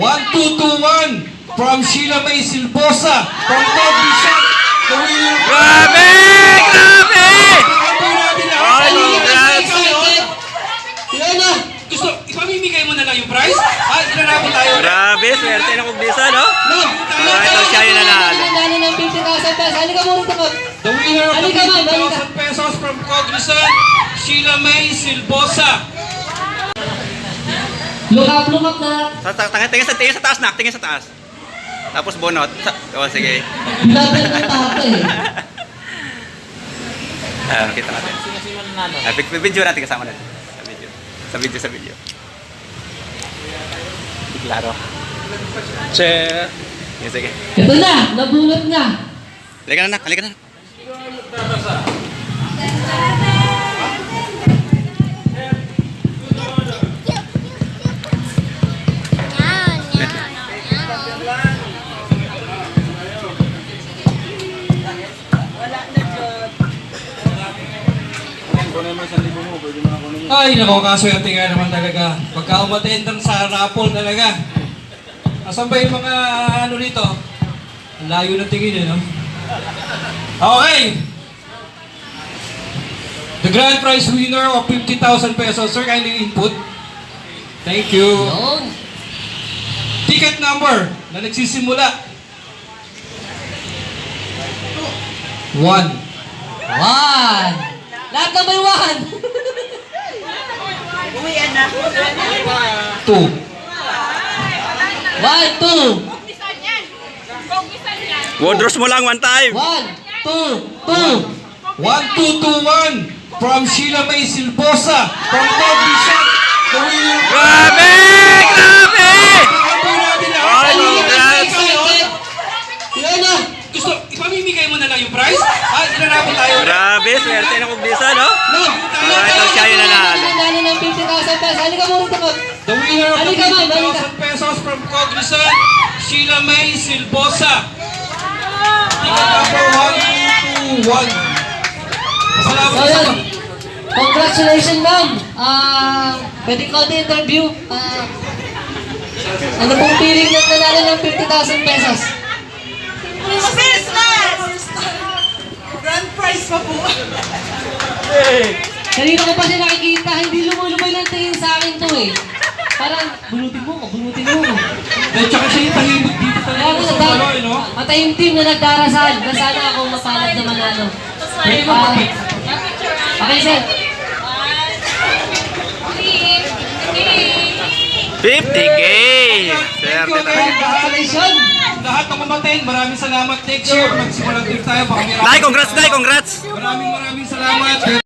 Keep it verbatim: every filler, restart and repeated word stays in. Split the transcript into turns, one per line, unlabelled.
one two two one from Sheila May Silbosa from Cognition. The winner.
Grabe! Grabe!
Pagkakampi natin lahat.
Ay,
Ano yung
congrats!
excited? Yan na. Gusto, ipamimigay mo na lang yung prize? Ah, ilanabot tayo.
Grabe, swerte ng Kugbisa, no?
No.
Ah, ito siya yung nanalo.
Nanalo ng fifty thousand pesos. Halika muna ito, Pag.
The winner of the
Halika, ma'am,
fifty
halika.
thousand pesos from Cognition, Sheila May Silbosa.
Look up, look up na.
Sa, sa, tingin, tingin, sa, tingin sa taas, nak. Tingin sa taas. Tapos bonot. Sa, oh, sige.
Laban ng tato eh.
Ah, kita natin. Ah, pic- pic- video natin kasama natin. Sa video. Sa video, sa video. Klaro. Che. Sige, sige.
Ito na, nabulot na.
Halika na, nak. Halika na.
Ay, nako, kaswerte nga naman talaga. Pagka umatendang sa raffle talaga. Asan ba yung mga ano rito? Ang layo ng tingin eh, no? Okay! The grand prize winner of fifty thousand pesos. Sir, kindly input. Thank you.
Yun.
Ticket number na nagsisimula. One.
One. Lahat na may one.
Two.
One, two.
Wodros mo lang one time.
One, two, two.
One, two, two, one. From Sheila May Silbosa. From Cognition. The winner.
Grabe! Grabe!
Pagkakampi natin lahat.
Ay,
Ano yung
congrats!
excited?
Yan na.
Gusto, ipamimigay mo na lang yung prize? Ah, ilanabot tayo.
Grabe, swerte ng Kugbisa, no?
No.
Ah, ito siya yung nanalo.
Nanalo ng fifty thousand pesos. Halika muna ito, Pag.
The winner of the
Halika, ma'am,
fifty
halika.
thousand pesos from Cognition, Sheila May Silbosa. Ticket number one two two one. Pasalamat
So,
sa
yun. Congratulations, ma'am. Ah, pwede ko din interview. Ah, ano pong feeling na nanalo ng fifty thousand pesos?
Business! Grand prize pa po.
Kanina ko pa siya nakikita, hindi lumulubay lang tingin sa akin to eh. Parang, bunutin mo ko, bunutin mo ko.
At saka siya yung tahimik dito
Kaya
talaga
ako
sa
nagdar-
ano, eh, no?
matayong team na nagdarasal na sana ako mapalad na manalo.
Pwede mo
Ah,
mag-
okay, sir.
fifty K!
Thank
Swerte
you,
talaga.
guys.
Congratulations!
Lahat ng kumaten, maraming salamat. Next year, magsimulang din tayo. Baka may-
Nay, congrats, Nay, congrats!
Maraming maraming salamat.